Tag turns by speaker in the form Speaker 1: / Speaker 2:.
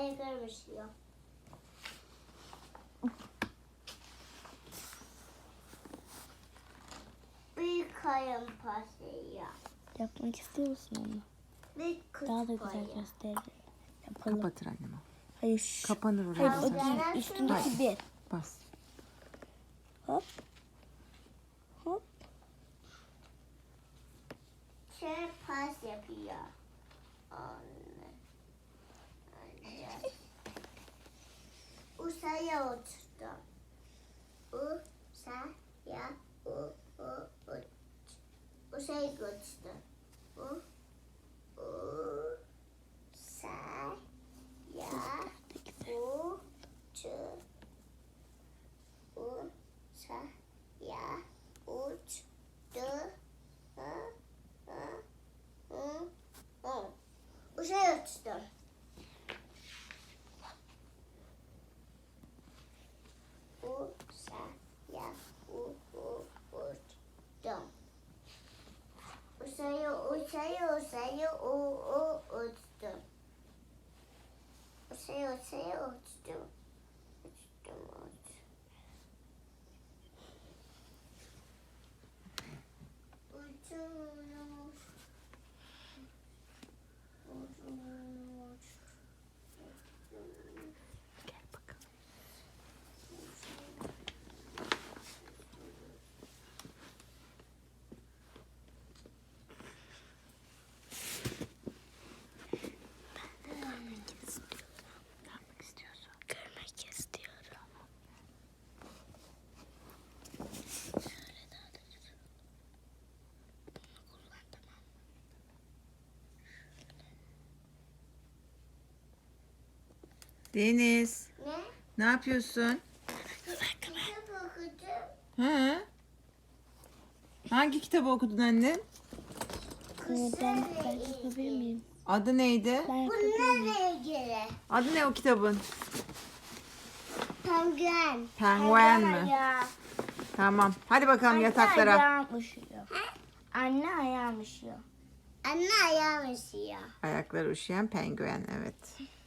Speaker 1: peygamber üşüyor. Bir kayın pasıyla.
Speaker 2: Yapmak istiyor musun onu?
Speaker 1: Bir kız
Speaker 2: Daha da güzel
Speaker 1: payı.
Speaker 2: gösterir. Yapalım.
Speaker 3: Kapatır annem o.
Speaker 2: Hayır şu.
Speaker 3: Kapanır oraya.
Speaker 2: Hayır o
Speaker 3: basarsın.
Speaker 2: değil. Üstündeki bir.
Speaker 3: Bas.
Speaker 2: Hop. Hop.
Speaker 1: Şey pas yapıyor. Anne. Anne. Usaya uçtu. Usaya uç. Usaya uçtu. Usaya uçtu. Usaya uçtu. Usaya uçtu. Usaya uçtu. Usaya uçtu. Usaya uçtu.
Speaker 3: Gel bakalım. Ne yapmak istiyorsun?
Speaker 2: Görmek istiyorum. Şöyle daha da güzel. Bunu kullan, tamam mı?
Speaker 3: Deniz,
Speaker 1: Ne?
Speaker 3: ne yapıyorsun?
Speaker 1: Kitap okudum.
Speaker 3: Hı? Hangi kitabı okudun annem?
Speaker 2: Ben yapabilir miyim?
Speaker 3: Adı neydi?
Speaker 2: Ben yapabilir miyim?
Speaker 1: Bunlarla ilgili.
Speaker 3: Adı ne o kitabın?
Speaker 1: Penguen.
Speaker 3: Penguen mi?
Speaker 1: Ya.
Speaker 3: Tamam. Hadi bakalım yataklara.
Speaker 2: Ayağım üşüyor. Anne ayağım üşüyor.
Speaker 1: Anne ayağım üşüyor.
Speaker 3: Ayakları üşüyen penguen, evet.